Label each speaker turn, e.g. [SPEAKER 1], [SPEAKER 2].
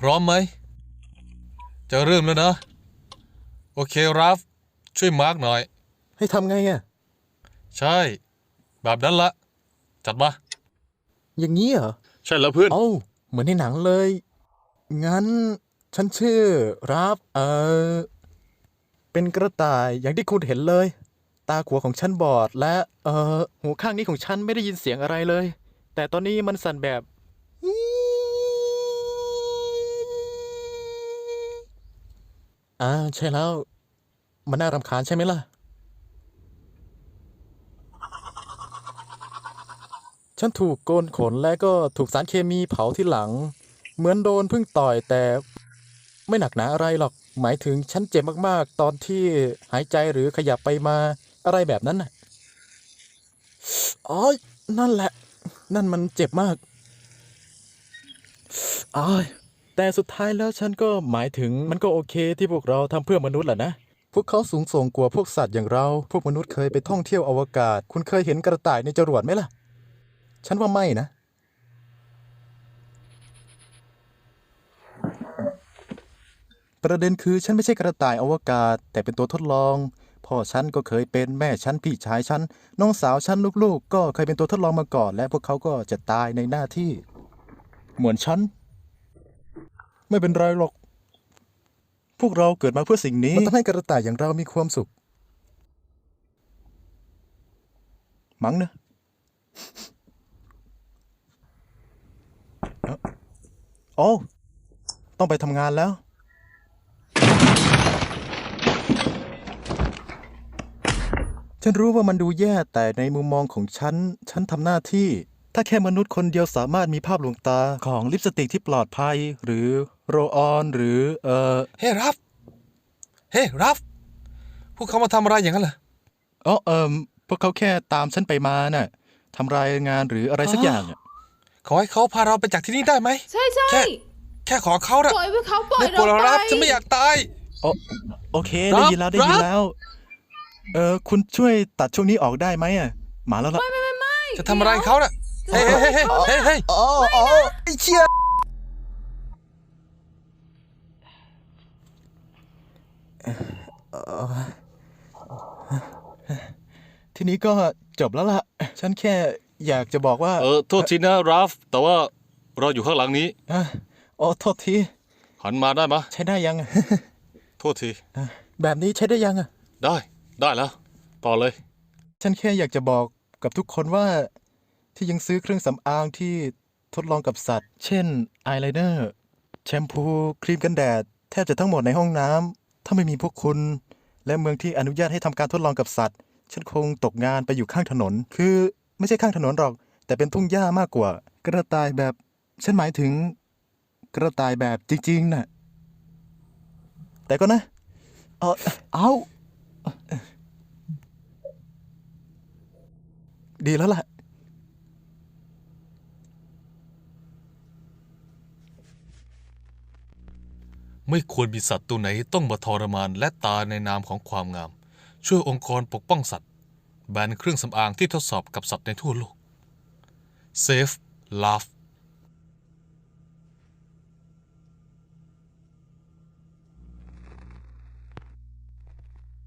[SPEAKER 1] ร้อมไหมจะเริ่มแล้วนะโอเคราฟช่วยมาร์กหน่อย
[SPEAKER 2] ให้ทำไงอ่ะ
[SPEAKER 1] ใช่แบบนั้นละจัดมา
[SPEAKER 2] อย่างนี้เหรอ
[SPEAKER 1] ใช่แล้วเพื่อน
[SPEAKER 2] เอ้าเหมือนในหนังเลยงั้นฉันชื่อรับเป็นกระต่ายอย่างที่คุณเห็นเลยตาขวาของฉันบอดและหูข้างนี้ของฉันไม่ได้ยินเสียงอะไรเลยแต่ตอนนี้มันสั่นแบบใช่แล้วมันน่ารำคาญใช่ไหมล่ะฉันถูกโกนขนและก็ถูกสารเคมีเผาที่หลังเหมือนโดนพึ่งต่อยแต่ไม่หนักหนาอะไรหรอกหมายถึงฉันเจ็บมากๆตอนที่หายใจหรือขยับไปมาอะไรแบบนั้นน่ะอ๋อนั่นแหละนั่นมันเจ็บมากอ๋อแต่สุดท้ายแล้วฉันก็หมายถึงมันก็โอเคที่พวกเราทำเพื่อมนุษย์แหละนะพวกเขาสูงส่งกว่าพวกสัตว์อย่างเราพวกมนุษย์เคยไปท่องเที่ยวอวกาศคุณเคยเห็นกระต่ายในจรวดไหมล่ะฉันว่าไม่นะ ประเด็นคือฉันไม่ใช่กระต่ายอวกาศแต่เป็นตัวทดลองพ่อฉันก็เคยเป็นแม่ฉันพี่ชายฉันน้องสาวฉันลูกๆก็เคยเป็นตัวทดลองมาก่อนและพวกเขาก็จะตายในหน้าที่เหมือนฉันไม่เป็นไรหรอกพวกเราเกิดมาเพื่อสิ่งนี้มันทำให้กระต่ายอย่างเรามีความสุขมั้งนะโอ้ต้องไปทำงานแล้วฉันรู้ว่ามันดูแย่แต่ในมุมมองของฉันทำหน้าที่ถ้าแค่มนุษย์คนเดียวสามารถมีภาพลวงตาของลิปสติกที่ปลอดภัยหรือโรลออนหรือ
[SPEAKER 1] เฮ้ราฟเฮ้ราฟพวกเขามาทำอะไรอย่างนั้นเหรอ
[SPEAKER 2] อ๋อพวกเขาแค่ตามฉันไปมาน่ะทำรายงานหรืออะไรสักอย่างอะ
[SPEAKER 1] ขอให้เขาพาเราไปจากที่นี่ได้ไหม
[SPEAKER 3] ใช่ใช่
[SPEAKER 1] แค่ขอเขาละ
[SPEAKER 3] ปล่อยไว้เขาปล่อย
[SPEAKER 1] ได้โปรด
[SPEAKER 3] เราไป
[SPEAKER 1] ราฟฉันไม่อยากตาย
[SPEAKER 2] โอโอเคได้ยินแล้วได้ยินแล้วคุณช่วยตัดช่วงนี้ออกได้ไหมอ่ะมาแล้วล่ะ
[SPEAKER 3] ไม่
[SPEAKER 1] จะทำอะไรเขาน่ะเฮ้ยเฮ้ยเฮ้ยเฮ้ยเฮ้ย
[SPEAKER 2] อ๋อไอ้เชี่ยทีนี้ก็จบแล้วล่ะฉันแค่อยากจะบอกว่า
[SPEAKER 1] โทษทีนะราฟแต่ว่าเราอยู่ข้างหลังนี้
[SPEAKER 2] อ่ะอ๋อโทษที
[SPEAKER 1] หันมาได้ไหม
[SPEAKER 2] ใช้ได้ยัง
[SPEAKER 1] โทษที
[SPEAKER 2] แบบนี้ใช้ได้ยังอ่ะ
[SPEAKER 1] ได้แล้วต่อเลย
[SPEAKER 2] ฉันแค่อยากจะบอกกับทุกคนว่าที่ยังซื้อเครื่องสำอางที่ทดลองกับสัตว์ เช่นอายไลเนอร์แชมพูครีมกันแดดแทบจะทั้งหมดในห้องน้ำถ้าไม่มีพวกคุณและเมืองที่อนุญาตให้ทำการทดลองกับสัตว์ฉันคงตกงานไปอยู่ข้างถนนคือไม่ใช่ข้างถนนหรอกแต่เป็นทุ่งหญ้ามากกว่ากระต่ายแบบฉันหมายถึงกระต่ายแบบจริงๆน่ะแต่ก็นะเอาดีแล้วล่ะ
[SPEAKER 1] ไม่ควรมีสัตว์ตัวไหนต้องมาทรมานและตายในนามของความงามช่วยองค์กรปกป้องสัตว์แบนเครื่องสำอางที่ทดสอบกับสัตว์ในทั่วโลก Save Love